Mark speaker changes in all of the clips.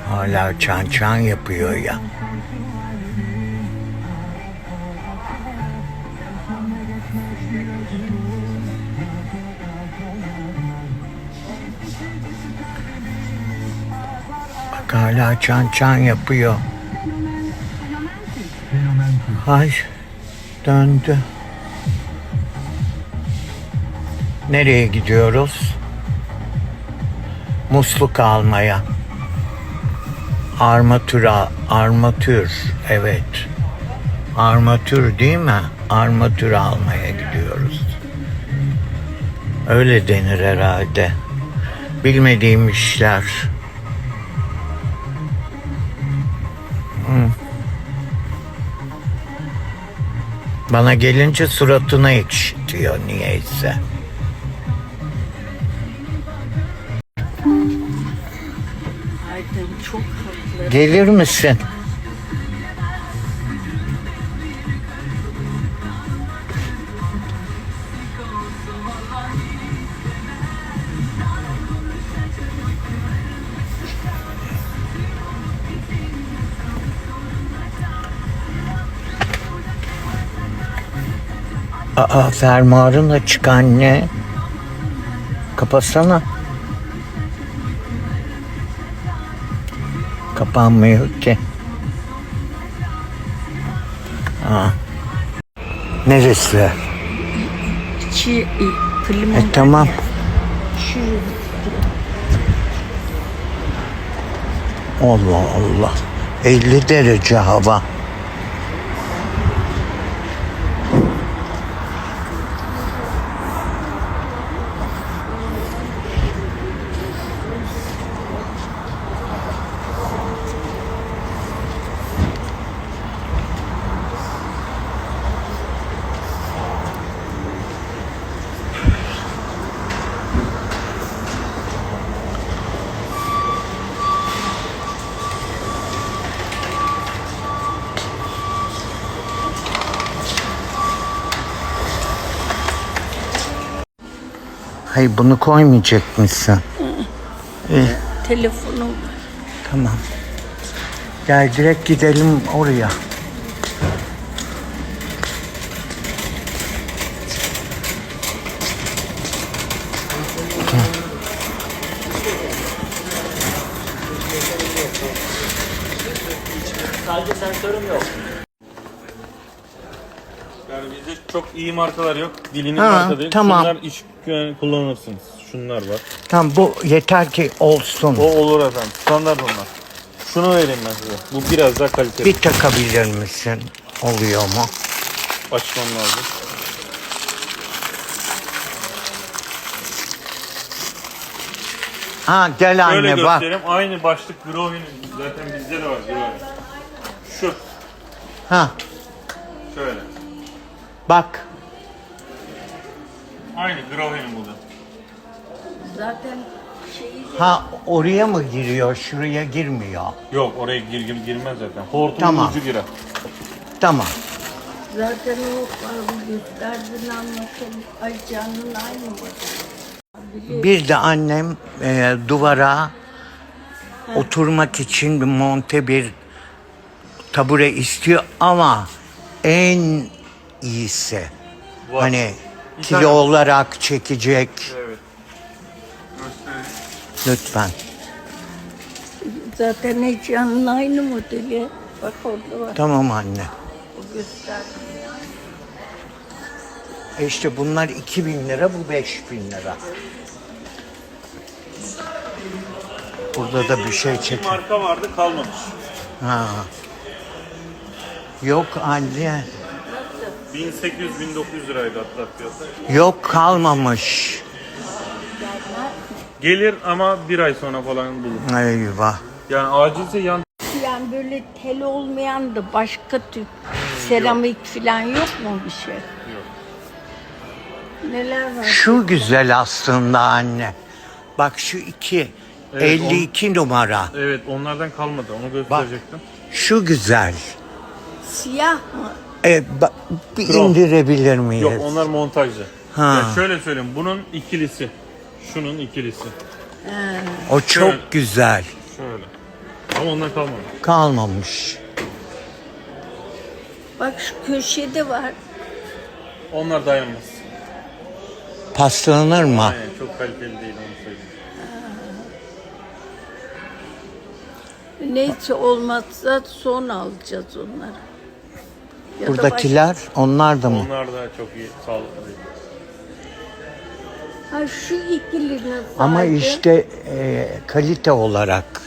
Speaker 1: Hala çan çan yapıyor ya. Bak hala çan çan yapıyor. Ay döndü. Nereye gidiyoruz? Musluk almaya. Armatür, evet. Armatür değil mi? Armatür almaya gidiyoruz. Öyle denir herhalde. Bilmediğim işler. Bana gelince suratına ekşitiyor niyeyse.
Speaker 2: Aydın çok haklı.
Speaker 1: Gelir misin? Aa, fermuarın açık anne. Kapatsana. Kapanmıyor ki. Aa. Neresi?
Speaker 2: İçi klima.
Speaker 1: Tamam.
Speaker 2: Şu
Speaker 1: Allah Allah. 50 derece hava. Hayır bunu koymayacak mısın?
Speaker 2: telefonum.
Speaker 1: Tamam. Gel direkt gidelim oraya.
Speaker 3: Sadece sensörüm yok. Yani bizde çok iyi markalar yok. Dilinin marka değil.
Speaker 1: tamam.
Speaker 3: Şunlar iş kullanırsınız. Şunlar var.
Speaker 1: Tamam bu yeter ki olsun.
Speaker 3: O olur efendim. Standart onlar. Şunu vereyim ben size. Bu biraz daha kaliteli.
Speaker 1: Bir takabilir misin? Oluyor mu?
Speaker 3: Açmam lazım.
Speaker 1: Ha gel
Speaker 3: Şöyle
Speaker 1: anne bak.
Speaker 3: göstereyim. Aynı başlık Grove'nin. Zaten bizde de var Grove. Şu.
Speaker 1: Ha
Speaker 3: Şöyle.
Speaker 1: bak.
Speaker 3: Aynı Grove'nin bu da.
Speaker 2: Zaten şeyi
Speaker 1: Ha oraya mı giriyor? Şuraya girmiyor.
Speaker 3: Yok oraya girmez zaten. Hortumun
Speaker 1: Tamam.
Speaker 3: ucu girer.
Speaker 1: Tamam.
Speaker 2: zaten o gösterdiğini anlatalım. Ay canın aynı mı?
Speaker 1: Bir de annem duvara oturmak için bir monte bir tabure istiyor ama en iyisi.
Speaker 3: Var.
Speaker 1: Hani
Speaker 3: Bir
Speaker 1: kilo
Speaker 3: tane-
Speaker 1: olarak çekecek.
Speaker 3: Evet. Göstereyim.
Speaker 1: Lütfen.
Speaker 2: Zaten ay canın aynı modeli. Bak orada var.
Speaker 1: Tamam anne.
Speaker 2: O gösterdi.
Speaker 1: İşte bunlar 2.000 lira, bu 5.000 lira. Burada da bir şey
Speaker 3: Bir
Speaker 1: çek.
Speaker 3: marka vardı kalmamış.
Speaker 1: Ha. Yok anne.
Speaker 3: 1800-1900 liraydı hatta fiyatı.
Speaker 1: Yok kalmamış.
Speaker 3: Gelir ama bir ay sonra falan bulur.
Speaker 1: Eyvah.
Speaker 3: Yani acilse yan
Speaker 2: Yani böyle tel olmayan da başka tür seramik falan yok mu bir şey?
Speaker 3: Yok.
Speaker 2: Neler var?
Speaker 1: Şu güzel aslında anne. Bak şu iki.
Speaker 3: Evet,
Speaker 1: 52 numara.
Speaker 3: Evet onlardan kalmadı onu gösterecektim.
Speaker 1: Şu güzel.
Speaker 2: Siyah mı?
Speaker 1: Bir
Speaker 3: Krom.
Speaker 1: indirebilir miyiz?
Speaker 3: Yok onlar montajlı.
Speaker 1: Ha.
Speaker 3: Yani şöyle söyleyeyim bunun ikilisi. Şunun ikilisi.
Speaker 1: O çok
Speaker 3: Şöyle.
Speaker 1: güzel.
Speaker 3: Şöyle. Ama onlar kalmadı.
Speaker 1: Kalmamış.
Speaker 2: Bak şu köşede var.
Speaker 3: Onlar dayanmaz.
Speaker 1: Paslanır mı?
Speaker 3: Aynen çok kaliteli değil onu söyleyeyim.
Speaker 2: Neyse olmazsa son alacağız onları. Ya da
Speaker 1: Buradakiler onlar da mı?
Speaker 3: Onlar da çok iyi sağlıklı değil.
Speaker 2: Ha şu ikili nasıl?
Speaker 1: Ama işte kalite olarak.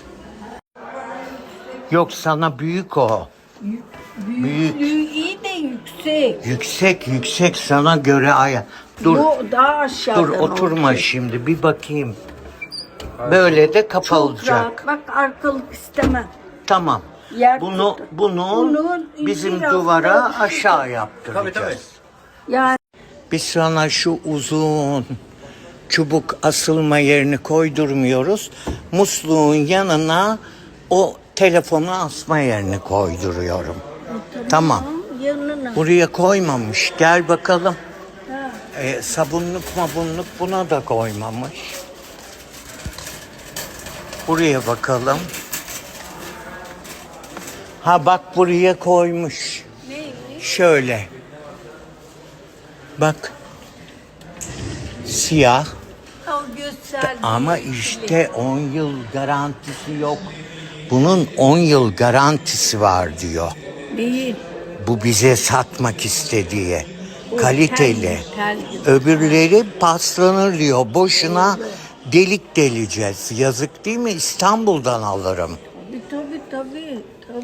Speaker 1: Yok sana büyük o. Büyük.
Speaker 2: Büyüklüğü iyi de yüksek.
Speaker 1: Yüksek sana göre Dur
Speaker 2: Bu daha aşağıdan
Speaker 1: dur oturma
Speaker 2: olacak.
Speaker 1: şimdi bir bakayım. Böyle de kapalı
Speaker 2: Çok
Speaker 1: olacak.
Speaker 2: rahat. Bak arkalık istemem.
Speaker 1: Tamam.
Speaker 2: Yer
Speaker 1: Bunu
Speaker 2: tutar.
Speaker 1: bunu bizim
Speaker 2: biraz
Speaker 1: duvara
Speaker 2: daha-
Speaker 1: aşağı yaptıracağız.
Speaker 3: Tabii.
Speaker 2: Yani
Speaker 1: Biz sana şu uzun çubuk asılma yerini koydurmuyoruz. Musluğun yanına o telefonu asma yerini koyduruyorum. Tamam.
Speaker 2: yanına.
Speaker 1: Buraya koymamış. Gel bakalım.
Speaker 2: Ha.
Speaker 1: Sabunluk mabunluk buna da koymamış. Buraya bakalım. Ha bak buraya koymuş.
Speaker 2: Neymiş?
Speaker 1: Şöyle. Bak. Siyah.
Speaker 2: O gösterdiği
Speaker 1: Ama
Speaker 2: ikili.
Speaker 1: işte 10 yıl garantisi yok. Bunun 10 yıl garantisi var diyor.
Speaker 2: Değil.
Speaker 1: Bu bize satmak istediği. Kaliteli.
Speaker 2: tel gibi.
Speaker 1: Öbürleri paslanır diyor. Boşuna delik deleceğiz. Yazık değil mi? İstanbul'dan alırım.
Speaker 2: Tabii.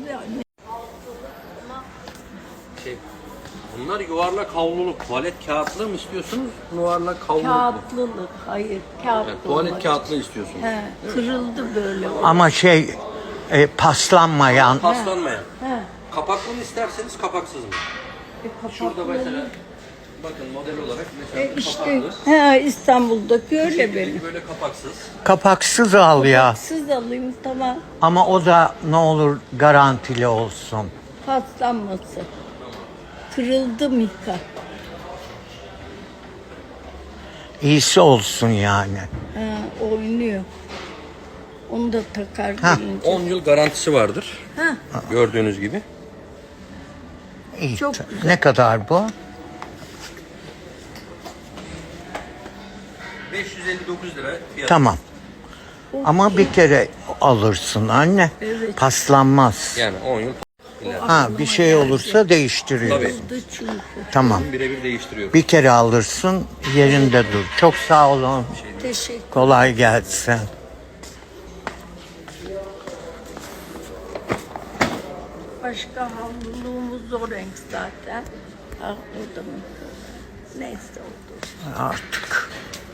Speaker 4: Bunlar yuvarlak havluluk. Tuvalet kağıtlı mı istiyorsunuz? Yuvarlak havluluk mu?
Speaker 2: Kağıtlılık. Hayır. Kağıtlı.
Speaker 4: Yani tuvalet
Speaker 2: olmaz.
Speaker 4: kağıtlı istiyorsunuz.
Speaker 2: He, kırıldı böyle.
Speaker 1: Ama paslanmayan.
Speaker 4: Paslanmayan.
Speaker 2: He.
Speaker 4: Kapaklı mı isterseniz kapaksız mı? Şurada mesela bakın model olarak mesela
Speaker 2: İşte
Speaker 4: kapaklı.
Speaker 2: İstanbul'daki öyle benim.
Speaker 4: Böyle kapaksız.
Speaker 1: Kapaksız al ya.
Speaker 2: Siz alayım tamam.
Speaker 1: Ama o da ne olur garantili olsun.
Speaker 2: Paslanması. Kırıldı Mika.
Speaker 1: İyisi olsun yani.
Speaker 2: Ha, oynuyor. Onu da takar
Speaker 1: Ha.
Speaker 2: gelince.
Speaker 4: 10 yıl garantisi vardır.
Speaker 2: Ha.
Speaker 4: Gördüğünüz gibi.
Speaker 1: İyi.
Speaker 2: Çok
Speaker 1: Ne kadar bu?
Speaker 4: 559 lira fiyatı.
Speaker 1: Tamam. Ama bir kere alırsın anne.
Speaker 2: Evet.
Speaker 1: Paslanmaz.
Speaker 4: Yani 10 yıl
Speaker 1: Ha bir şey olursa değiştiriyoruz.
Speaker 4: Tabii.
Speaker 2: Kırıldı çünkü.
Speaker 1: Tamam.
Speaker 4: birebir değiştiriyor.
Speaker 1: Bir kere alırsın yerinde dur. Çok sağ olun.
Speaker 2: Teşekkür.
Speaker 1: Kolay gelsin.
Speaker 2: Başka havluluğumuz o renk zaten. Ah o da mı? Neyse oldu.
Speaker 1: Artık.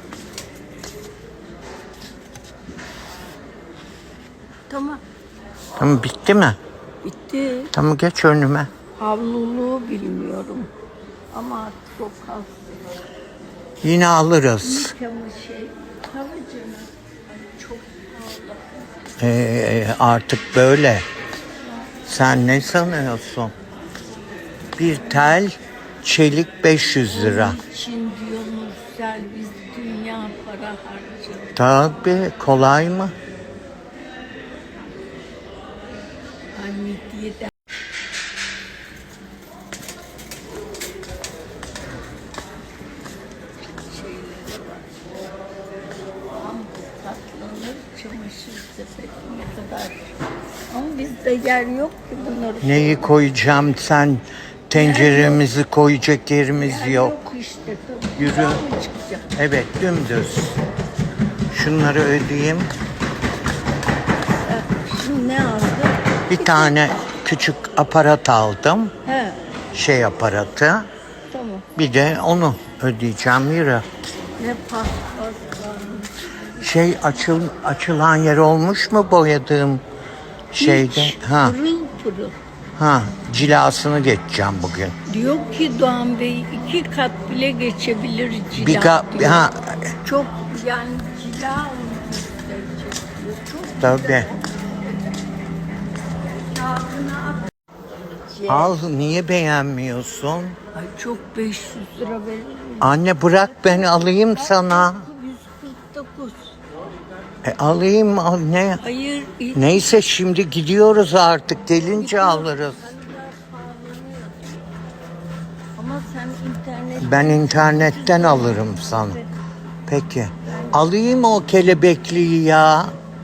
Speaker 2: Tamam.
Speaker 1: Tamam bitti mi?
Speaker 2: Bitti.
Speaker 1: Tamam geç önüme.
Speaker 2: Havluluğu bilmiyorum. Ama artık o kalsın.
Speaker 1: Yine alırız.
Speaker 2: Ama tabii canım. Çok pahalı.
Speaker 1: Artık böyle. Sen ne sanıyorsun? Bir tel çelik 500 lira.
Speaker 2: Onun için diyor Nursel biz dünya para harcadık.
Speaker 1: Tabii kolay mı?
Speaker 2: Hamidiye de şeyleri var. Pamuk katlanır, çamaşır sepeti ne kadar. Ama bizde yer yok ki bunları.
Speaker 1: Neyi koyacağım sen? Tenceremizi koyacak yerimiz
Speaker 2: Yer
Speaker 1: yok.
Speaker 2: işte. Tabii.
Speaker 1: Yürü.
Speaker 2: Buradan mı çıkacak?
Speaker 1: Evet dümdüz. Şunları ödeyeyim.
Speaker 2: Şimdi ne aldı?
Speaker 1: Bir tane küçük aparat aldım.
Speaker 2: He,
Speaker 1: Şey aparatı.
Speaker 2: tamam.
Speaker 1: Bir de onu ödeyeceğim yürü.
Speaker 2: Ne paspas varmış.
Speaker 1: Açılan yer olmuş mu boyadığım şeyde?
Speaker 2: Hiç
Speaker 1: Ha,
Speaker 2: pırıl pırıl.
Speaker 1: cilasını geçeceğim bugün.
Speaker 2: Diyor ki Doğan Bey 2 kat bile geçebilir cila
Speaker 1: Bir
Speaker 2: diyor.
Speaker 1: ka-
Speaker 2: Çok yani cila onu gösterecek diyor. Çok
Speaker 1: tabii.
Speaker 2: kağıdına at.
Speaker 1: Al niye beğenmiyorsun?
Speaker 2: Ay çok 500 lira veririm.
Speaker 1: Anne bırak ben alayım sana.
Speaker 2: 149.
Speaker 1: Alayım ne?
Speaker 2: Hayır.
Speaker 1: Neyse şimdi gidiyoruz artık. Gelince alırız.
Speaker 2: Ama sen internet...
Speaker 1: Ben internetten alırım sana. Peki. Alayım o kelebekliği ya. Allah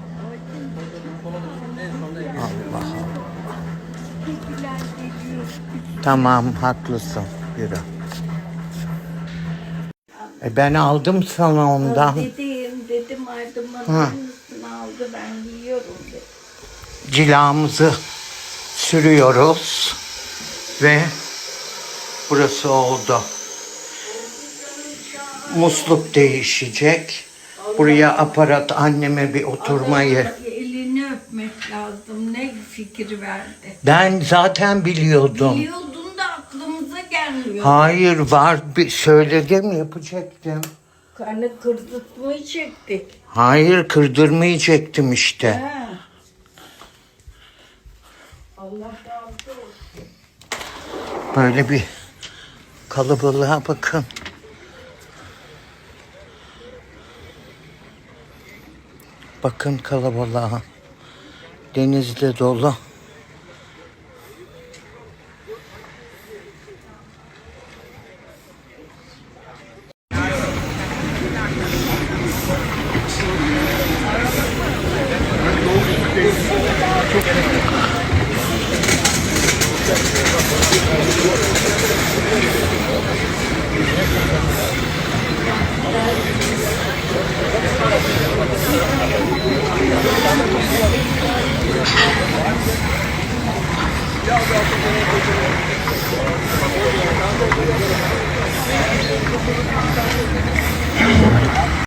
Speaker 1: Allah. Tamam haklısın. Yürü. Ben aldım sana ondan.
Speaker 2: Dedim aydınlatın üstüne aldı ben giyiyorum dedim.
Speaker 1: Cilamızı sürüyoruz. Ve burası oldu. Musluk değişecek. Buraya aparat anneme bir oturmayı.
Speaker 2: Elini öpmek lazım. Ne fikir verdi.
Speaker 1: Ben zaten biliyordum.
Speaker 2: Biliyordun da aklımıza gelmiyor.
Speaker 1: Hayır var bir söyledim yapacaktım.
Speaker 2: Hani kırdırtmayacaktık.
Speaker 1: Hayır kırdırmayacaktım işte.
Speaker 2: Ha. Allah razı olsun.
Speaker 1: Böyle bir kalabalığa bakın. Bakın kalabalığa. Denizde dolu.